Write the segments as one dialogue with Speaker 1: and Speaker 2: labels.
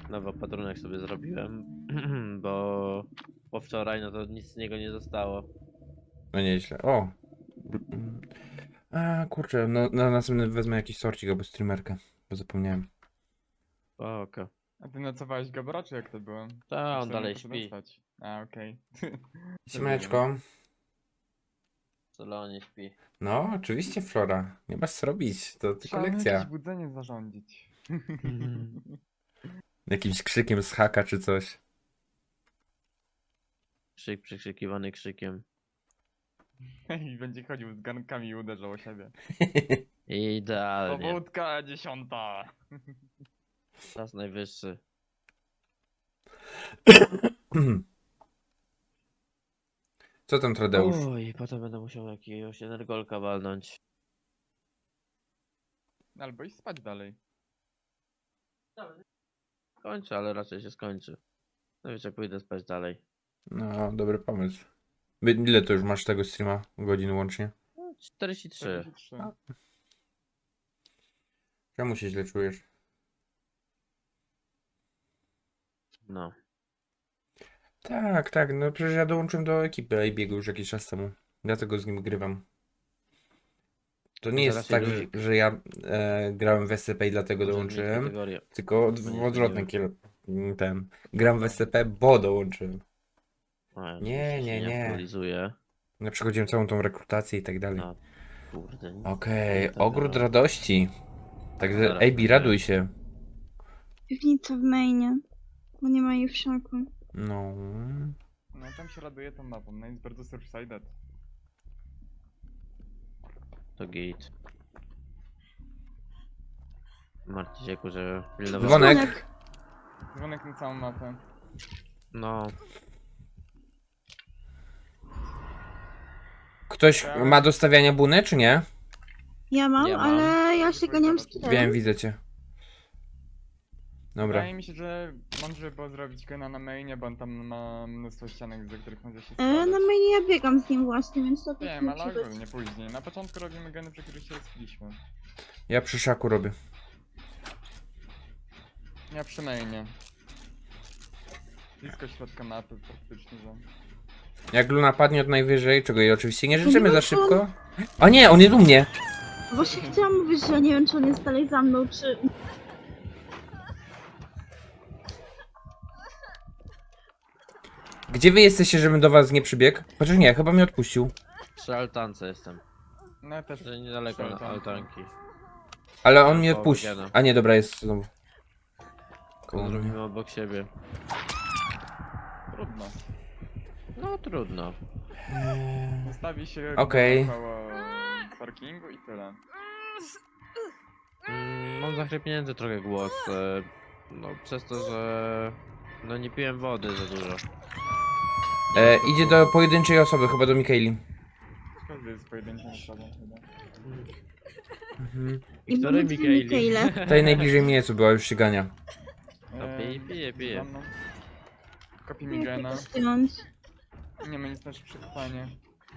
Speaker 1: nowy opatrunek sobie zrobiłem, bo po wczoraj no to nic z niego nie zostało.
Speaker 2: No nieźle. O! A kurczę, no na następny wezmę jakiś sorcik albo streamerkę, bo zapomniałem.
Speaker 1: Oko.
Speaker 3: A ty nocowałeś Gabora, czy jak to było?
Speaker 1: Ta, on
Speaker 3: Myślałem,
Speaker 1: dalej
Speaker 3: że poszedł
Speaker 1: śpi.
Speaker 3: spać. A, okej.
Speaker 2: Siemeczko.
Speaker 1: W salonie śpi.
Speaker 2: No, oczywiście Flora. Nie masz co robić, to tylko
Speaker 3: Trzeba mu
Speaker 2: lekcja.
Speaker 3: jakieś budzenie zarządzić.
Speaker 2: Jakimś krzykiem z haka czy coś.
Speaker 1: Krzyk przekrzykiwany krzykiem.
Speaker 3: I będzie chodził z gankami i uderzał o siebie.
Speaker 1: Idealnie.
Speaker 3: Powódka 10.
Speaker 1: Czas najwyższy.
Speaker 2: Co tam Tradeusz?
Speaker 1: Oj, potem będę musiał jakiegoś energolka walnąć.
Speaker 3: Albo iść spać dalej.
Speaker 1: Kończę, ale raczej się skończy. No wiecie, pójdę spać dalej.
Speaker 2: No, dobry pomysł. Ile to już masz tego streama? Godzin łącznie?
Speaker 1: No, 43.
Speaker 3: 43.
Speaker 2: A. Czemu się źle czujesz?
Speaker 1: No.
Speaker 2: Tak, tak, no przecież ja dołączyłem do ekipy AB'ego już jakiś czas temu. Dlatego z nim grywam. To nie jest
Speaker 1: Zaraz
Speaker 2: tak,
Speaker 1: się
Speaker 2: że,
Speaker 1: luzik.
Speaker 2: że ja grałem w SCP i dlatego
Speaker 1: Może
Speaker 2: dołączyłem.
Speaker 1: zmienić kategorię.
Speaker 2: Tylko
Speaker 1: Będzie
Speaker 2: odwrotny ten. Gram w SCP, bo dołączyłem.
Speaker 1: A, ja
Speaker 2: Nie,
Speaker 1: oczywiście
Speaker 2: nie,
Speaker 1: się
Speaker 2: nie.
Speaker 1: aktualizuję.
Speaker 2: Ja przechodziłem całą tą rekrutację i tak dalej.
Speaker 1: A, kurde. nic
Speaker 2: Okej,
Speaker 1: nie
Speaker 2: ogród
Speaker 1: tego.
Speaker 2: radości. Także
Speaker 1: Zaraz
Speaker 2: AB,
Speaker 1: będzie.
Speaker 2: raduj się.
Speaker 4: Piwnica w mainie, bo nie ma jej w szaku.
Speaker 2: No.
Speaker 3: No tam się raduje tą mapą, no jest bardzo surf-sided.
Speaker 1: To git. Martwi się, że pilnował.
Speaker 2: Dzwonek.
Speaker 3: Dzwonek na całą mapę.
Speaker 1: No,
Speaker 2: Ktoś ma do stawiania buny, czy nie?
Speaker 4: Ja mam,
Speaker 1: Ja mam.
Speaker 4: ale ja się ganiam z
Speaker 2: Wiem,
Speaker 4: killem.
Speaker 2: widzę cię. Dobra.
Speaker 3: Wydaje mi się, że mądrze było zrobić gena na mainie, bo on tam ma mnóstwo ścianek, za których może się
Speaker 4: Na
Speaker 3: składać.
Speaker 4: mainie ja biegam z nim właśnie, więc to tak
Speaker 3: Wiem, ale
Speaker 4: musi być.
Speaker 3: ogólnie później. Na początku robimy geny, przy których się rozbiliśmy.
Speaker 2: Ja przy szaku robię.
Speaker 3: Ja przy mainie. Blisko środka mapy praktycznie, że...
Speaker 2: Jak Luna padnie od najwyżej, czego jej oczywiście nie życzymy za szybko. O nie, on jest u mnie!
Speaker 4: Właśnie chciałam mówić, że nie wiem, czy on jest dalej za mną, czy...
Speaker 2: Gdzie wy jesteście, żebym do was nie przybiegł? Chociaż nie, chyba mnie odpuścił.
Speaker 1: przy altance jestem.
Speaker 3: No ja też...
Speaker 1: Że niedaleko na
Speaker 3: przy altance.
Speaker 1: altanki.
Speaker 2: Ale on mnie
Speaker 1: Albo
Speaker 2: odpuścił.
Speaker 1: Gena.
Speaker 2: A nie, dobra, jest znowu.
Speaker 1: To zrobimy obok siebie.
Speaker 3: Trudno.
Speaker 1: No trudno.
Speaker 3: Zostawi się
Speaker 2: Okej.
Speaker 3: koło parkingu i tyle.
Speaker 1: Mam zachrypnięty trochę głos. No przez to, że... No nie piłem wody za dużo.
Speaker 2: Idzie do pojedynczej osoby, chyba do Mikaeli.
Speaker 3: Każdy jest pojedynczą osobą chyba.
Speaker 2: Mhm.
Speaker 1: I który
Speaker 4: powiedz mi,
Speaker 1: Mikaeli?
Speaker 4: Mikaele.
Speaker 2: Tej najbliżej mnie, co była, już się gania.
Speaker 1: A pije.
Speaker 3: za mną. Kopi mi gena.
Speaker 4: Zdjąć.
Speaker 3: Nie ma nic na przechwanie.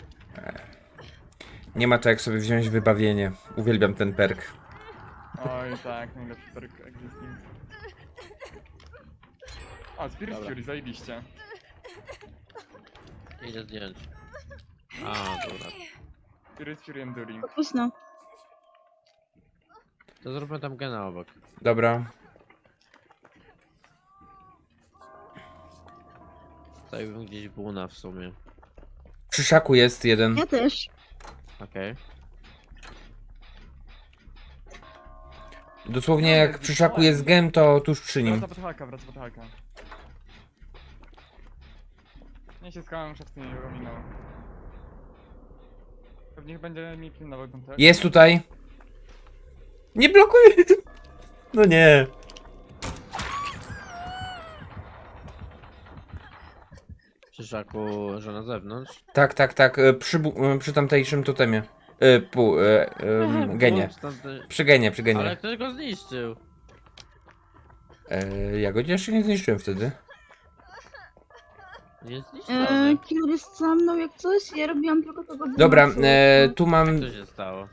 Speaker 2: Nie ma to jak sobie wziąć wybawienie. Uwielbiam ten perk.
Speaker 3: Oj tak, najlepszy perk existing. A, Spirit
Speaker 1: Dobra.
Speaker 3: Fury, zajebiście.
Speaker 1: Idę zdjąć. A, dobra.
Speaker 3: Spirit Fury Enduring.
Speaker 4: Późno.
Speaker 1: To zróbmy tam gena obok.
Speaker 2: Dobra.
Speaker 1: Stawiłbym gdzieś buna w sumie.
Speaker 2: Przy szaku jest jeden.
Speaker 4: Ja też.
Speaker 1: Okej.
Speaker 2: Dosłownie jak przy szaku jest gem, to tuż przy nim.
Speaker 3: Wraca pod haka. Nie się skałem, szafcy nie go minął. Pewnie będzie mi pilnował kontakt.
Speaker 2: Jest tutaj. Nie blokuj! No nie.
Speaker 1: Przy szaku, że na zewnątrz.
Speaker 2: Tak, tak, tak. Przy tamtejszym totemie. Genie. Przy genie, przy
Speaker 1: Ale
Speaker 2: genie.
Speaker 1: ktoś go zniszczył.
Speaker 2: Ja go jeszcze nie zniszczyłem wtedy.
Speaker 1: Nie zniszczony.
Speaker 4: Killer jest za mną jak coś, ja robiłam tylko tego
Speaker 2: Dobra,
Speaker 4: bonuszu.
Speaker 2: tu mam...
Speaker 1: Co się stało?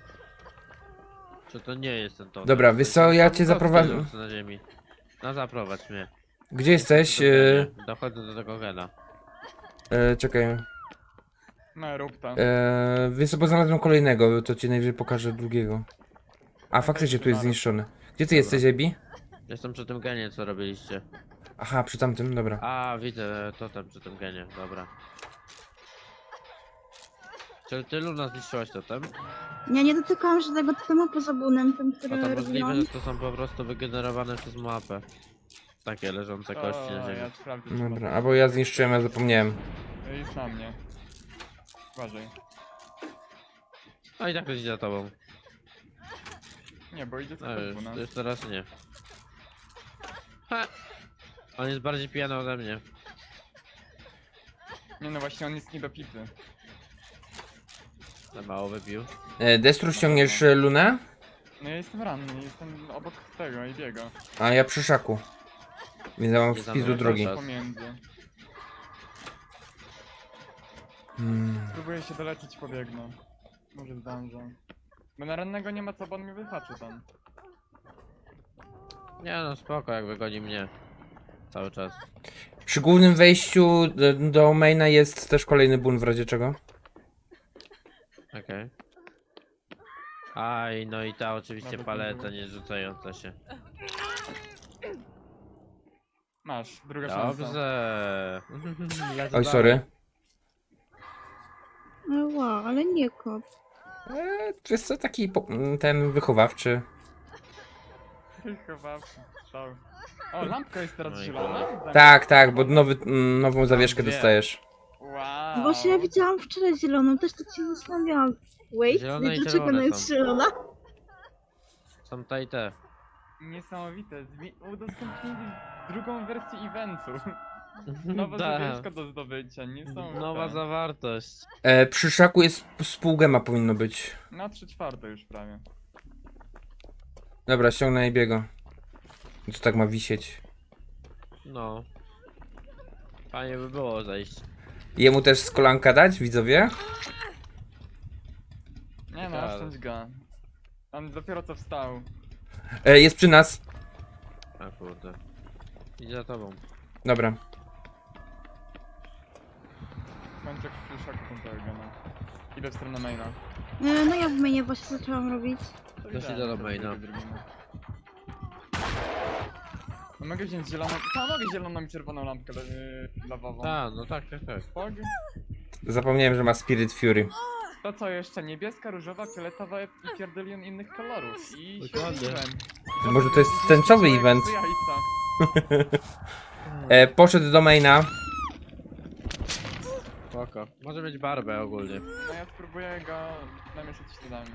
Speaker 1: Czy to nie jest ten totem?
Speaker 2: Dobra, wiesz co, ja cię
Speaker 1: Tam
Speaker 2: zaprowadzę...
Speaker 1: kostki na ziemi. No zaprowadź mnie.
Speaker 2: Gdzie jesteś?
Speaker 1: Dochodzę do tego gena.
Speaker 2: Czekaj.
Speaker 3: No rób to.
Speaker 2: Więc sobie znalazłem kolejnego, to ci najwyżej pokażę drugiego. A faktycznie tu jest
Speaker 3: Dobra.
Speaker 2: zniszczony. Gdzie ty
Speaker 1: Dobra.
Speaker 2: jesteś, Ebi?
Speaker 1: Jestem przy tym genie, co robiliście.
Speaker 2: Aha, przy tamtym, dobra.
Speaker 1: A, widzę totem przy tym genie, dobra. Czy ty, Luna, zniszczyłaś totem?
Speaker 4: Ja nie dotykałam żadnego totemu poza bunem, tym,
Speaker 1: A
Speaker 4: który
Speaker 1: to możliwe,
Speaker 4: robiłam.
Speaker 1: że to są po prostu wygenerowane przez mapę. Takie leżące kości na ziemi.
Speaker 3: Ja sprawdzę. czy
Speaker 2: Dobra,
Speaker 3: ma-
Speaker 2: albo ja zniszczyłem, ja zapomniałem.
Speaker 3: Jest na mnie. Uważaj.
Speaker 1: No i tak to idzie za tobą.
Speaker 3: Nie, bo idzie co
Speaker 1: No,
Speaker 3: pod buna.
Speaker 1: już teraz nie. Ha! On jest bardziej pijany ode mnie.
Speaker 3: Nie no właśnie, on jest niedopity.
Speaker 1: Za mało wypił.
Speaker 2: Destru, ściągniesz Lunę?
Speaker 3: No ja jestem ranny, jestem obok tego i biega.
Speaker 2: A ja przy szaku. Więc ja mam
Speaker 1: Nie
Speaker 2: w pizdu
Speaker 1: zamykam
Speaker 2: drogi.
Speaker 1: czas.
Speaker 3: Pomiędzy. Próbuję się dolecieć, pobiegnę. Może zdążę. Bo na rannego nie ma co, bo on mnie wyhaczy tam.
Speaker 1: Nie no, spoko, jak wygoni mnie. Cały czas.
Speaker 2: Przy głównym wejściu do maina jest też kolejny bun w razie czego.
Speaker 1: Okej. Aj, no i ta oczywiście
Speaker 3: Nawet nie
Speaker 1: paleta
Speaker 3: było.
Speaker 1: nie rzucająca się.
Speaker 3: Masz, druga szansa.
Speaker 1: Dobrze. Lecę
Speaker 2: Oj,
Speaker 1: dalej.
Speaker 2: sorry.
Speaker 4: Wow, ale nie kop.
Speaker 2: Wiesz co, taki ten wychowawczy.
Speaker 3: Chowawczy. Stał. O, lampka jest teraz
Speaker 1: No i
Speaker 3: zielona?
Speaker 2: Tak, tak, bo nową zawieszkę
Speaker 1: dwie.
Speaker 2: dostajesz.
Speaker 3: Wow.
Speaker 4: Właśnie ja widziałam wczoraj zieloną, też tak się zastanawiałam. Wait,
Speaker 1: Zielone i
Speaker 4: dlaczego ona
Speaker 1: czerwone
Speaker 4: jest
Speaker 1: są.
Speaker 4: zielona?
Speaker 1: Są te i te.
Speaker 3: Niesamowite. Udostępnili drugą wersję eventu. Nowa
Speaker 1: Da.
Speaker 3: zawieszka do zdobycia, niesamowite.
Speaker 1: Nowa zawartość.
Speaker 2: Przy szaku jest z pół gema powinno być.
Speaker 3: Na 3/4 już prawie.
Speaker 2: Dobra, ściągnę biego. Co tak ma wisieć?
Speaker 1: No. Fajnie by było zejść.
Speaker 2: Jemu też z kolanka dać, widzowie?
Speaker 3: Nie no,
Speaker 1: Ciekawe.
Speaker 3: oszczędź go. On dopiero co wstał.
Speaker 2: Jest przy nas.
Speaker 1: A kurde. Idzie za tobą.
Speaker 2: Dobra.
Speaker 3: Kończę przy szaku tego gena. Idę w stronę maina.
Speaker 4: No ja w mainie właśnie zaczęłam robić.
Speaker 3: To
Speaker 1: Też
Speaker 3: idealnie,
Speaker 1: idę do
Speaker 3: to
Speaker 1: maina.
Speaker 3: drugie zrobimy. No mogę wziąć zieloną... mogę zieloną i czerwoną lampkę lawową.
Speaker 1: A, no tak, tak, tak.
Speaker 3: Spog.
Speaker 2: Zapomniałem, że ma Spirit Fury.
Speaker 3: To co jeszcze? Niebieska, różowa, fioletowa i pierdylion innych kolorów. I
Speaker 1: Dokładnie.
Speaker 3: świetliłem.
Speaker 2: Może to jest tęczowy event. Poszedł do maina.
Speaker 1: Spoko. Może mieć barbę ogólnie.
Speaker 3: No ja spróbuję go namieszać śladami.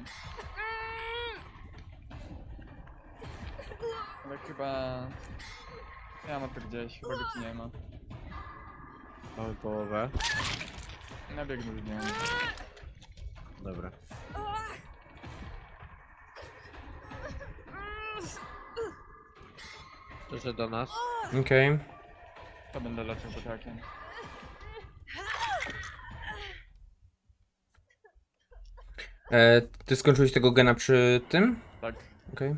Speaker 3: Ale chyba... Ja mam to gdzieś, chyba go ci nie ma.
Speaker 1: Mamy połowę.
Speaker 3: Nabiegnę z nią.
Speaker 1: Dobra. Przyszedł do nas.
Speaker 2: Okej.
Speaker 3: To będę leciał potakiem.
Speaker 2: Ty skończyłeś tego gena przy tym?
Speaker 3: Tak.
Speaker 2: Okej.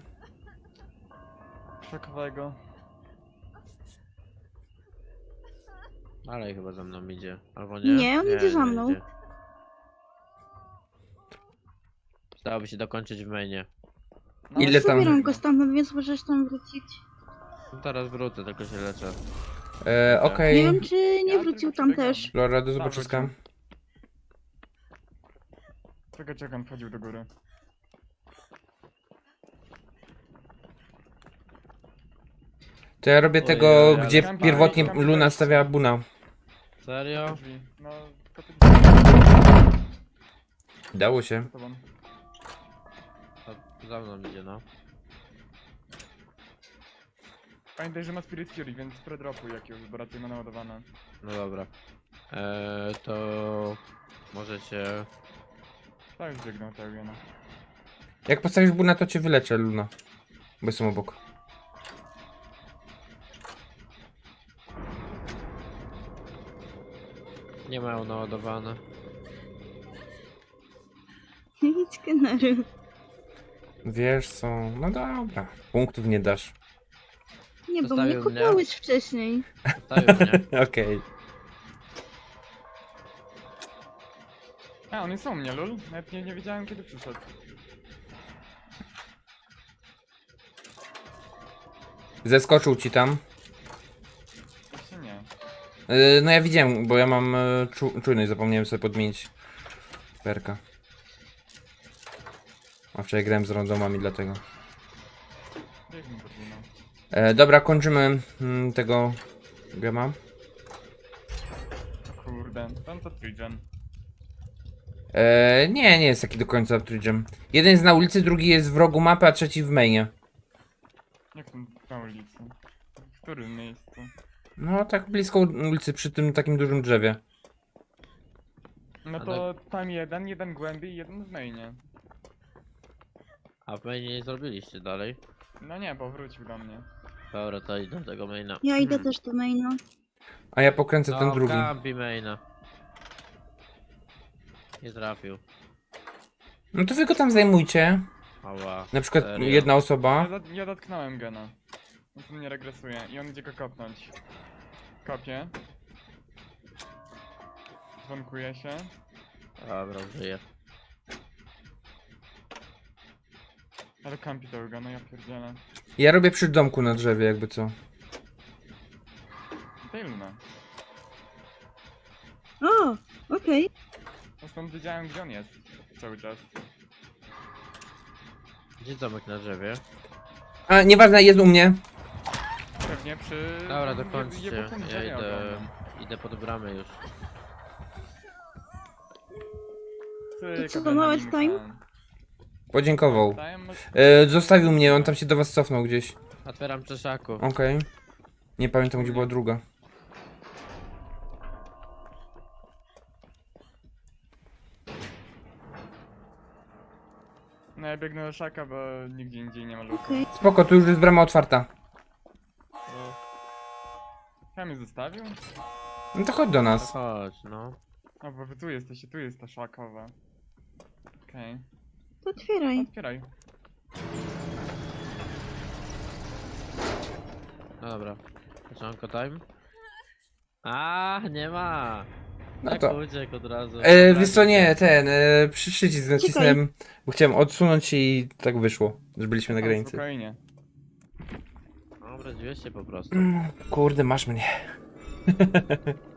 Speaker 3: Szokowego.
Speaker 1: Ale chyba za mną idzie. Albo nie?
Speaker 4: Nie, on idzie za mną.
Speaker 1: idzie. Przydałoby się dokończyć w mainie.
Speaker 3: No,
Speaker 2: Ile tam-
Speaker 4: Zabieram go stamtąd, więc możesz tam wrócić.
Speaker 1: No teraz wrócę, tylko się leczę.
Speaker 2: Okej.
Speaker 4: Nie wiem, czy nie
Speaker 3: Ja
Speaker 4: wrócił
Speaker 3: tylko
Speaker 4: tam
Speaker 3: przebiegam.
Speaker 4: też.
Speaker 2: Lora, do zobaczyska.
Speaker 3: Czego on wchodził do góry?
Speaker 2: To ja robię
Speaker 1: Ojej,
Speaker 2: tego,
Speaker 1: ale
Speaker 2: gdzie
Speaker 3: kampa-
Speaker 2: pierwotnie
Speaker 3: kampa-
Speaker 2: Luna stawiała buna.
Speaker 1: Serio?
Speaker 3: Drzwi. No, to ty...
Speaker 2: Dało się.
Speaker 3: za tobą.
Speaker 1: To za mną idzie, no.
Speaker 3: Pamiętaj, że ma Spirit Fury, więc predropuj jakiegoś, bo raczej ma naładowane.
Speaker 1: No dobra. To... Możecie...
Speaker 3: Tak, już biegnę tego gena.
Speaker 2: Jak postawisz buna, to cię wyleczę, Luna. Bo jestem obok.
Speaker 1: Nie mają naładowane.
Speaker 4: Nic skenery.
Speaker 2: Wiesz co, no dobra. Punktów nie dasz.
Speaker 4: Nie, bo mnie
Speaker 1: Zostawił mnie.
Speaker 4: kopałeś wcześniej.
Speaker 1: Zostawił mnie.
Speaker 2: Okej.
Speaker 3: A, on jest u mnie, lul. Nawet nie wiedziałem kiedy przyszedł.
Speaker 2: Zeskoczył ci tam.
Speaker 3: Właśnie nie.
Speaker 2: No ja widziałem, bo ja mam czujność, zapomniałem sobie podmienić perka. A wczoraj grałem z randomami, dlatego.
Speaker 3: Biegnij podwójną.
Speaker 2: Dobra, kończymy tego gema.
Speaker 3: O kurde, ten to Trigen.
Speaker 2: Nie jest taki do końca Tridgem. Jeden jest na ulicy, drugi jest w rogu mapy, a trzeci w mainie.
Speaker 3: Jak ten na ulicy? W którym miejscu?
Speaker 2: No tak blisko ulicy, przy tym takim dużym drzewie.
Speaker 3: No to tam jeden głębiej i jeden w mainie.
Speaker 1: A wy nie zrobiliście dalej.
Speaker 3: No nie, bo wrócił do mnie.
Speaker 1: Dobra, to idę do tego maina.
Speaker 4: Ja idę też do maina.
Speaker 2: A ja pokręcę ten drugi.
Speaker 1: Kampi maina. Nie trafił.
Speaker 2: No to wy go tam zajmujcie.
Speaker 1: Ała.
Speaker 2: Na przykład
Speaker 1: Serio?
Speaker 2: jedna osoba.
Speaker 3: Ja dotknąłem gena. On tu mnie regresuje i on idzie go kopnąć. Kopię. Dzwonkuje się.
Speaker 1: Dobra, żyje.
Speaker 3: Ale kampi tego gena, ja pierdzielę.
Speaker 2: Ja robię przy domku na drzewie, jakby co.
Speaker 3: Daj Luna.
Speaker 4: O, okej.
Speaker 3: No stąd wiedziałem gdzie on jest. Cały czas.
Speaker 1: Gdzie domek na drzewie?
Speaker 2: A nieważne, jest u mnie.
Speaker 3: Pewnie przy...
Speaker 1: Dobra, dokończcie.
Speaker 3: jebutym
Speaker 1: Ja
Speaker 3: drzewie
Speaker 1: idę,
Speaker 3: ogromnym.
Speaker 1: idę pod bramę już.
Speaker 3: Cyka,
Speaker 4: To co, to małe
Speaker 3: Benaninka.
Speaker 4: time?
Speaker 2: Podziękował.
Speaker 3: Time?
Speaker 2: Zostawił mnie, on tam się do was cofnął gdzieś.
Speaker 1: Otwieram przeszaku.
Speaker 2: Okej. Nie pamiętam, gdzie była druga.
Speaker 3: No ja biegnę do szaka, bo nigdzie indziej nie ma luka.
Speaker 4: Okej.
Speaker 2: Spoko, tu już jest brama otwarta.
Speaker 1: No,
Speaker 3: Ja mnie zostawił?
Speaker 2: No to chodź do
Speaker 1: to
Speaker 2: nas.
Speaker 1: chodź, no.
Speaker 3: A bo wy tu jesteście, tu jest ta szakowa. Okej.
Speaker 4: To otwieraj.
Speaker 3: Otwieraj.
Speaker 1: No dobra. Poczanko time. A, nie ma.
Speaker 2: No
Speaker 1: Tak
Speaker 2: to.
Speaker 1: uciekł od razu.
Speaker 2: Wiesz co, nie, przycisk nacisnąłem, bo chciałem odsunąć i tak wyszło, że byliśmy na
Speaker 3: O,
Speaker 2: granicy.
Speaker 3: Spokojnie.
Speaker 1: Dobra, dziwię się po prostu.
Speaker 2: Kurde, masz mnie.